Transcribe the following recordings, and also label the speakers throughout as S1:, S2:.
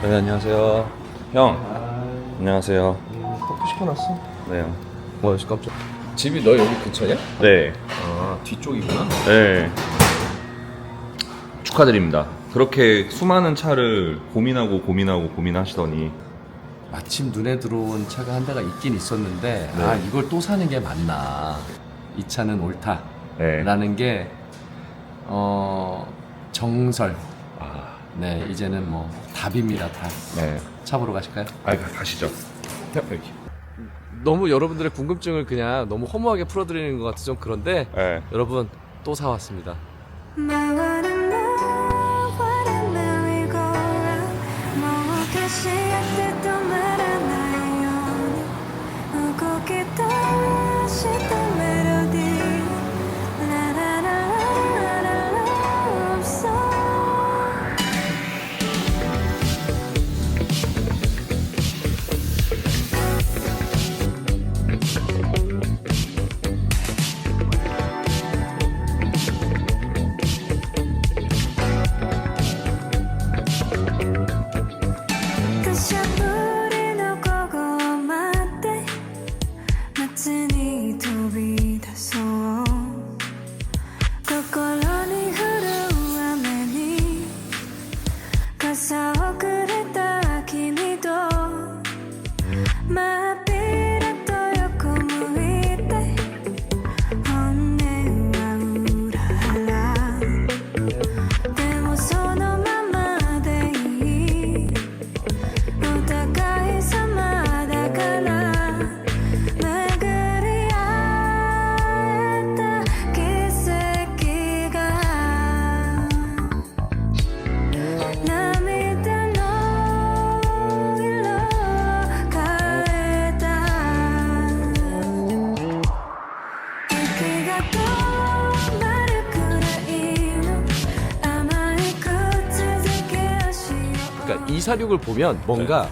S1: 네, 안녕하세요. 형. 안녕하세요.
S2: 커피 시켜놨어?
S1: 네.
S2: 와, 깜짝. 집이 너 여기 근처냐?
S1: 네.
S2: 아, 뒤쪽이구나.
S1: 네. 축하드립니다. 그렇게 수많은 차를 고민하시더니
S2: 마침 눈에 들어온 차가 한 대가 있긴 있었는데
S1: 네.
S2: 아, 이걸 또 사는 게 맞나? 이 차는 옳다라는
S1: 네.
S2: 게 정설.
S1: 아,
S2: 네, 이제는 뭐 답입니다. 답.
S1: 네.
S2: 차 보러 가실까요?
S1: 가시죠. 여기.
S2: 너무 여러분들의 궁금증을 그냥 너무 허무하게 풀어드리는 것 같아서 좀 그런데
S1: 네.
S2: 여러분 또 사왔습니다. 그러니까 246을 보면 뭔가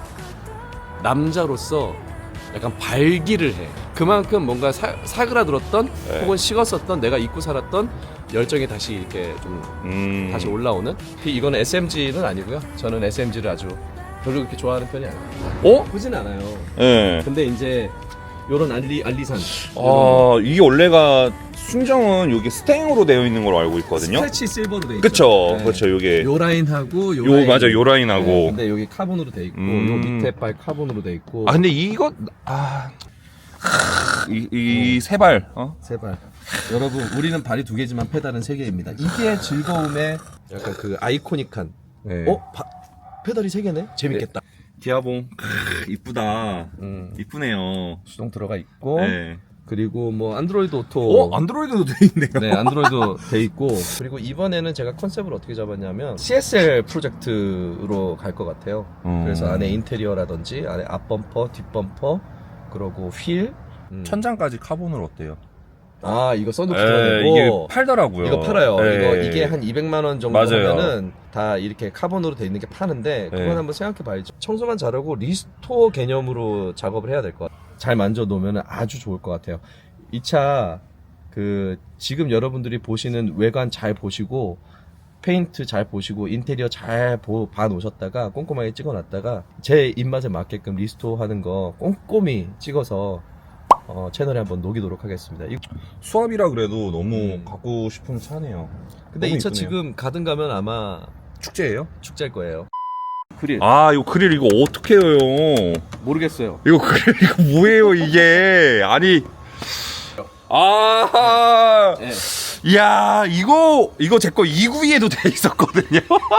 S2: 남자로서 약간 발기를 해. 그만큼 뭔가 사그라들었던 혹은 식었었던 내가 잊고 살았던 열정이 다시 이렇게 좀 다시 올라오는. 이거는 SMG는 아니고요. 저는 SMG를 아주 별로 그렇게 좋아하는 편이 아니에요.
S1: 어?
S2: 크진 않아요.
S1: 네.
S2: 근데 이제 요런 알리산.
S1: 이게 원래가 순정은 여기 스탱으로 되어 있는 걸로 알고 있거든요.
S2: 스크래치 실버로 돼 있죠.
S1: 그쵸.
S2: 네.
S1: 그렇죠. 요게
S2: 요 라인하고 요
S1: 요
S2: 라인.
S1: 맞아. 요 라인하고.
S2: 네, 근데 여기 카본으로 돼 있고 요 밑에 발 카본으로 돼 있고.
S1: 근데 이거 이 세발
S2: 세 발. 여러분, 우리는 발이 두 개지만 페달은 세 개입니다. 이게 즐거움의 약간 그 아이코닉한.
S1: 네.
S2: 페달이 세 개네? 재밌겠다.
S1: 디아봉 이쁘다. 이쁘네요.
S2: 수동 들어가 있고.
S1: 네.
S2: 그리고 뭐 안드로이드 오토.
S1: 안드로이드도 돼 있네요.
S2: 네, 안드로이드 돼 있고. 그리고 이번에는 제가 컨셉을 어떻게 잡았냐면 CSL 프로젝트로 갈 것 같아요. 그래서 안에 인테리어라든지 안에 앞범퍼, 뒷범퍼, 그리고 휠.
S1: 천장까지 카본으로 어때요?
S2: 이거 썬루프 들어내고
S1: 이게 팔더라고요.
S2: 이거 팔아요.
S1: 네.
S2: 이게 한 200만 원 정도
S1: 맞아요.
S2: 하면은 다 이렇게 카본으로 돼 있는 게 파는데 그건
S1: 네.
S2: 한번 생각해 봐야죠. 청소만 잘하고 리스토어 개념으로 작업을 해야 될 것 같아요. 잘 만져 놓으면 아주 좋을 것 같아요. 이 차 지금 여러분들이 보시는 외관 잘 보시고 페인트 잘 보시고 인테리어 잘 봐 놓으셨다가 꼼꼼하게 찍어 놨다가 제 입맛에 맞게끔 리스토어 하는 거 꼼꼼히 찍어서 채널에 한번 녹이도록 하겠습니다.
S1: 수압이라 그래도 너무 갖고 싶은 차네요.
S2: 근데
S1: 너무
S2: 이 차
S1: 이쁘네요.
S2: 지금 가든 가면 아마
S1: 축제예요?
S2: 축제일 거예요. 그릴.
S1: 이거 그릴 이거 어떻게 해요?
S2: 모르겠어요.
S1: 이거 그릴 이거 뭐예요 이게? 아니
S2: 네.
S1: 이야 이거 제 거 2구에도 돼 있었거든요.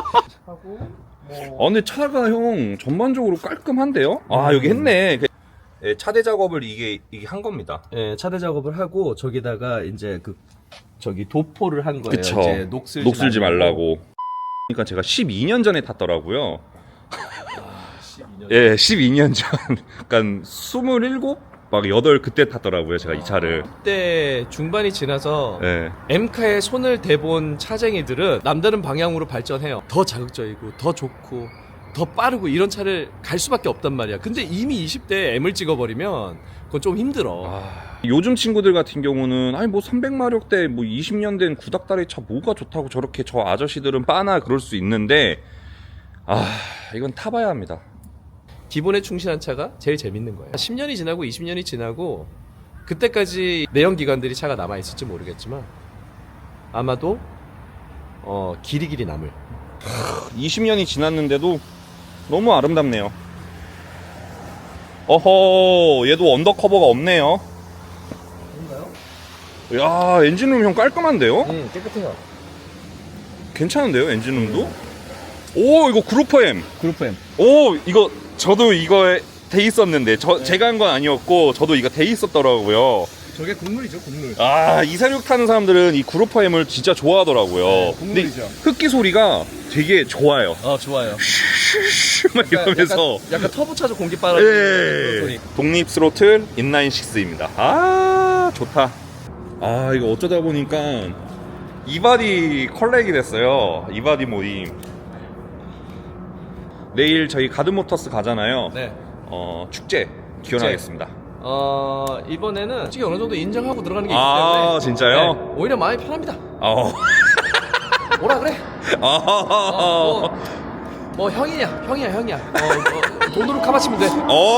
S1: 근데 차가 형 전반적으로 깔끔한데요? 여기 했네. 차대 작업을 이게 한 겁니다.
S2: 예, 차대 작업을 하고 저기다가 이제 저기 도포를 한 거예요.
S1: 그쵸.
S2: 이제
S1: 녹슬지 말라고. 그러니까 제가 12년 전에 탔더라고요.
S2: 12년.
S1: 예, 12년 전. 그러니까 27? 막 8 그때 탔더라고요, 제가 이 차를.
S2: 그때 중반이 지나서
S1: 예.
S2: M카에 손을 대본 차쟁이들은 남다른 방향으로 발전해요. 더 자극적이고 더 좋고 더 빠르고 이런 차를 갈 수밖에 없단 말이야. 근데 이미 20대에 M을 찍어버리면 그건 좀 힘들어.
S1: 요즘 친구들 같은 경우는 뭐 300마력대 뭐 20년 된 구닥다리 차 뭐가 좋다고 저렇게 저 아저씨들은 빠나 그럴 수 있는데 이건 타봐야 합니다.
S2: 기본에 충실한 차가 제일 재밌는 거예요. 10년이 지나고 20년이 지나고 그때까지 내연 기관들이 차가 남아 있을지 모르겠지만 아마도 길이 남을.
S1: 20년이 지났는데도 너무 아름답네요. 어허, 얘도 언더커버가 없네요.
S2: 그런가요?
S1: 야, 엔진룸 형 깔끔한데요?
S2: 깨끗해요.
S1: 괜찮은데요, 엔진룸도? 오, 이거 그루퍼엠.
S2: 그룹M.
S1: 오, 이거 저도 이거에 돼 있었는데 제가 한 건 아니었고 저도 이거 돼 있었더라고요.
S2: 저게 국물이죠, 국물.
S1: 아, 246 타는 사람들은 이 그루퍼엠을 진짜 좋아하더라고요.
S2: 네,
S1: 근데
S2: 국물이죠.
S1: 흡기 소리가 되게 좋아요.
S2: 좋아요.
S1: 막 이러면서.
S2: 약간 터보차저 공기 빨아주는 그런
S1: 예.
S2: 소리.
S1: 독립 스로틀 인라인 6입니다. 아, 좋다. 아, 이거 어쩌다 보니까 이바디 컬렉이 됐어요. 이바디 모임. 내일 저희 가든모터스 가잖아요.
S2: 네.
S1: 축제 기원하겠습니다.
S2: 이번에는 솔직히 어느 정도 인정하고 들어가는 게 있기
S1: 아,
S2: 때문에
S1: 진짜요?
S2: 네, 오히려 마음이 편합니다. 오라 그래. 뭐 형이야. 돈으로 카바치면 돼.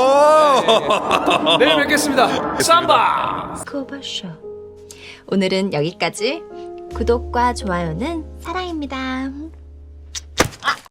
S2: 내일 뵙겠습니다. 삼바.
S3: 스쿠버쇼. 오늘은 여기까지. 구독과 좋아요는 사랑입니다.